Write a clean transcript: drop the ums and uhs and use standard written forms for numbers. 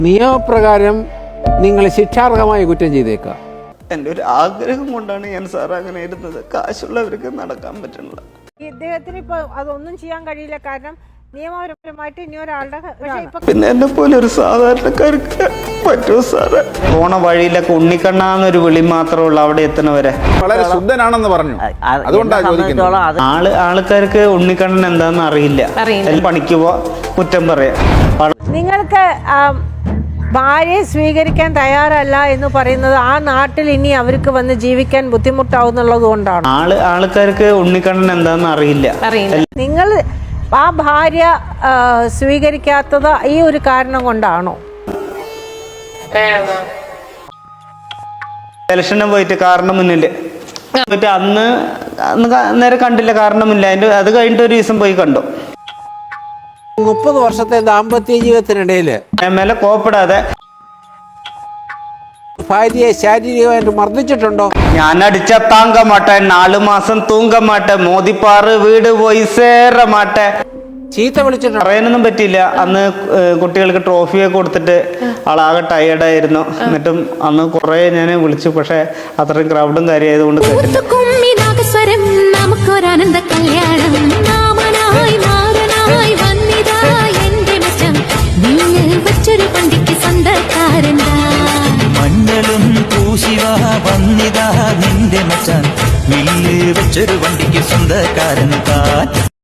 നിയമപ്രകാരം നിങ്ങൾ ശിക്ഷാർഹമായ കുറ്റം ചെയ്തേക്കാം. എൻ്റെ ഒരു ആഗ്രഹം കൊണ്ടാണ് ഞാൻ സാർ അങ്ങനെ ഇരുന്നത്. കാശുള്ളവർക്ക് നടക്കാൻ പറ്റണില്ല. ഇദ്ദേഹത്തിന് ഇപ്പൊ അതൊന്നും ചെയ്യാൻ കഴിയില്ല. കാരണം നിയമപരമായിട്ട് ഇനി ഒരാളുടെ പിന്നെ എന്നെ പോലെ ഒരു സാധാരണക്കാർക്ക് പറ്റുമോ സാറേ? പോണ വഴിയിലൊക്കെ ഉണ്ണിക്കണ്ണാന്നൊരു വിളി മാത്രമേ ഉള്ളൂ അവിടെ എത്തുന്നവരെ. വളരെ ശുദ്ധനാണെന്ന് പറഞ്ഞു. അതുകൊണ്ടാണ് ചോദിക്കുന്നത്. ആൾക്കാർക്ക് ഉണ്ണിക്കണ്ണൻ എന്താന്ന് അറിയില്ല. പണിക്ക് പോ കുറ്റം പറയാം. നിങ്ങൾക്ക് ഭാര്യയെ സ്വീകരിക്കാൻ തയ്യാറല്ല എന്ന് പറയുന്നത് ആ നാട്ടിൽ ഇനി അവർക്ക് വന്ന് ജീവിക്കാൻ ബുദ്ധിമുട്ടാവുന്നുള്ളത് കൊണ്ടാണ്. ആൾക്കാർക്ക് ഉണ്ണിക്കണ്ണൻ എന്താന്ന് അറിയില്ല. നിങ്ങൾ ആ ഭാര്യ സ്വീകരിക്കാത്തത് ഈ ഒരു കാരണം കൊണ്ടാണോ? ഇലക്ഷന് പോയിട്ട് കാരണം മുന്നില് പോയിട്ട് അന്ന് നേരെ കണ്ടില്ല, കാരണമില്ല. അത് കഴിഞ്ഞിട്ട് ഒരു ദിവസം പോയി കണ്ടു. 30 വർഷത്തെ ദാമ്പത്യ ജീവിതത്തിനിടയിൽ മേലെ കോപ്പിടാതെ ഭാര്യയെ ശാരീരികമായിട്ട് മർദ്ദിച്ചിട്ടുണ്ടോ? ഞാൻ അടിച്ച താങ്ക മാട്ടെ, 4 മാസം തൂങ്ക മാട്ടെ, മോദിപ്പാറ് വീട് പോയി സേറ മാട്ടെ. ചീത്ത വിളിച്ചിട്ടുണ്ടോ? പറയാനൊന്നും പറ്റിയില്ല. അന്ന് കുട്ടികൾക്ക് ട്രോഫിയൊക്കെ കൊടുത്തിട്ട് ആളാകെ ടയേർഡായിരുന്നു. എന്നിട്ടും അന്ന് കുറെ ഞാൻ വിളിച്ചു. പക്ഷെ അത്രയും ക്രൗഡും കാര്യമായതുകൊണ്ട് കേട്ടില്ല. മഞ്ഞളും പൂശിവ വന്നിതാ നിന്റെ മച്ചാൻ, മില്ല് വെച്ചൊരു വണ്ടിക്ക് സ്വന്തക്കാരൻ താൻ.